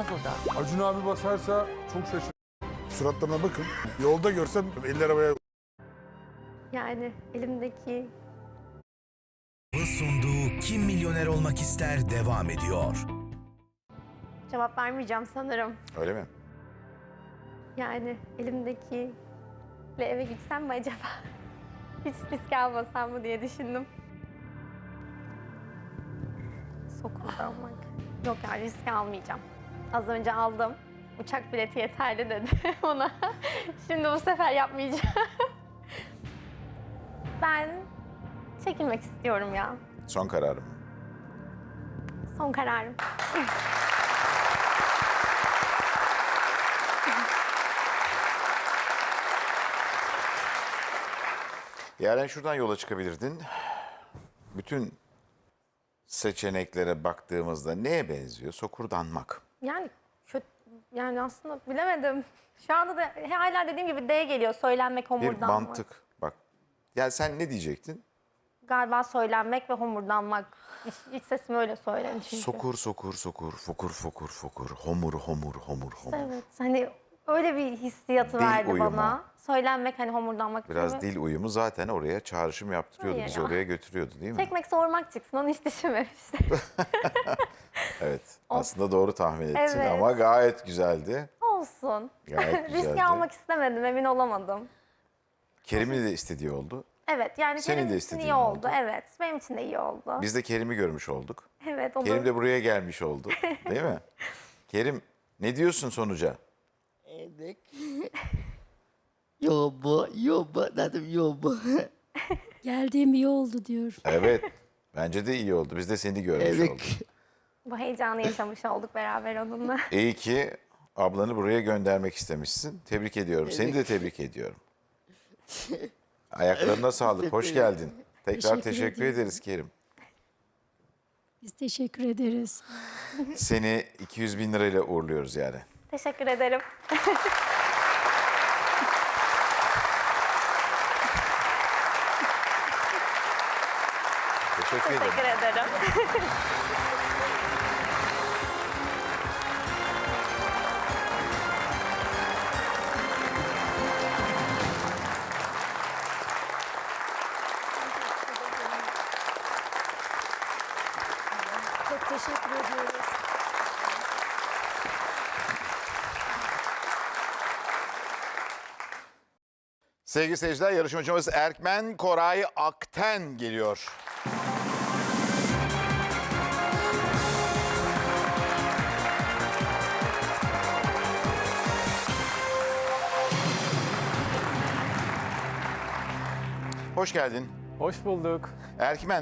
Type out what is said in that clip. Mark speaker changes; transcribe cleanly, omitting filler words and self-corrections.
Speaker 1: burada.
Speaker 2: Acun abi basarsa çok şaşırırım.
Speaker 3: Suratlarına bakın. Yolda görsem eller havaya...
Speaker 4: Yani elimdeki
Speaker 5: Sunduğu Kim Milyoner Olmak İster devam ediyor.
Speaker 4: cevap vermeyeceğim sanırım.
Speaker 6: Öyle mi?
Speaker 4: Yani elimdekiyle eve gitsem mi acaba? Hiç risk almasam mı diye düşündüm. Sokuldanmak. Yok yani risk almayacağım. Az önce aldım. Uçak bileti yeterli dedi ona. Şimdi bu sefer yapmayacağım. Ben çekilmek istiyorum ya.
Speaker 6: Son kararım.
Speaker 4: Son kararım.
Speaker 6: Yaren şuradan yola çıkabilirdin. Bütün seçeneklere baktığımızda neye benziyor? Sokurdanmak.
Speaker 4: Yani kötü, yani aslında bilemedim. Şu anda da hala dediğim gibi D geliyor. Söylenmek,
Speaker 6: Bir
Speaker 4: homurdanmak.
Speaker 6: mantık. Bak. Ya sen ne diyecektin?
Speaker 4: Galiba söylenmek ve homurdanmak. İç sesim öyle söylenir çünkü.
Speaker 6: Sokur, sokur, sokur, fokur, fokur, fokur, homur, homur, homur, homur.
Speaker 4: Evet, hani öyle bir hissiyatı
Speaker 6: Dil
Speaker 4: verdi
Speaker 6: uyumu.
Speaker 4: bana. Söylenmek, hani homurdanmak.
Speaker 6: Biraz
Speaker 4: gibi.
Speaker 6: dil uyumu zaten oraya çağrışım yaptırıyordu.
Speaker 4: Hayır
Speaker 6: Bizi
Speaker 4: ya.
Speaker 6: oraya götürüyordu değil mi?
Speaker 4: Çekmek, sormak çıksın, onu hiç düşünmemiştim.
Speaker 6: Evet. Aslında doğru tahmin ettin
Speaker 4: Evet.
Speaker 6: ama gayet güzeldi.
Speaker 4: Olsun.
Speaker 6: Gayet güzeldi.
Speaker 4: Riski almak istemedim, emin olamadım.
Speaker 6: Kerim'in de istediği oldu.
Speaker 4: Evet, yani
Speaker 6: Senin
Speaker 4: Kerim
Speaker 6: de
Speaker 4: için
Speaker 6: istediğin
Speaker 4: iyi oldu.
Speaker 6: oldu.
Speaker 4: Evet, benim için de iyi oldu.
Speaker 6: Biz de Kerim'i görmüş olduk.
Speaker 4: Evet, onu...
Speaker 6: Kerim de buraya gelmiş oldu. Değil mi? Kerim ne diyorsun sonuca?
Speaker 7: Evet. Yoba dedim yoba.
Speaker 1: Geldiğim iyi oldu diyor.
Speaker 6: Evet. Bence de iyi oldu. Biz de seni görmüş
Speaker 7: Evet.
Speaker 6: olduk.
Speaker 4: Bu heyecanı yaşamış olduk beraber onunla.
Speaker 6: İyi ki ablanı buraya göndermek istemişsin. Tebrik ediyorum. Seni de tebrik ediyorum. Ayaklarına sağlık. Hoş geldin. Tekrar teşekkür
Speaker 1: ederim.
Speaker 6: ederiz Kerim.
Speaker 1: Biz teşekkür ederiz.
Speaker 6: Seni 200 bin lirayla uğurluyoruz yani.
Speaker 4: Teşekkür ederim.
Speaker 6: Teşekkür ederim.
Speaker 4: Teşekkür ederim.
Speaker 1: Çok teşekkür ediyoruz.
Speaker 6: Sevgili seyirciler, yarışmacımız Erkmen Koray Akten geliyor. Hoş geldin.
Speaker 2: Hoş bulduk.
Speaker 6: Erkmen,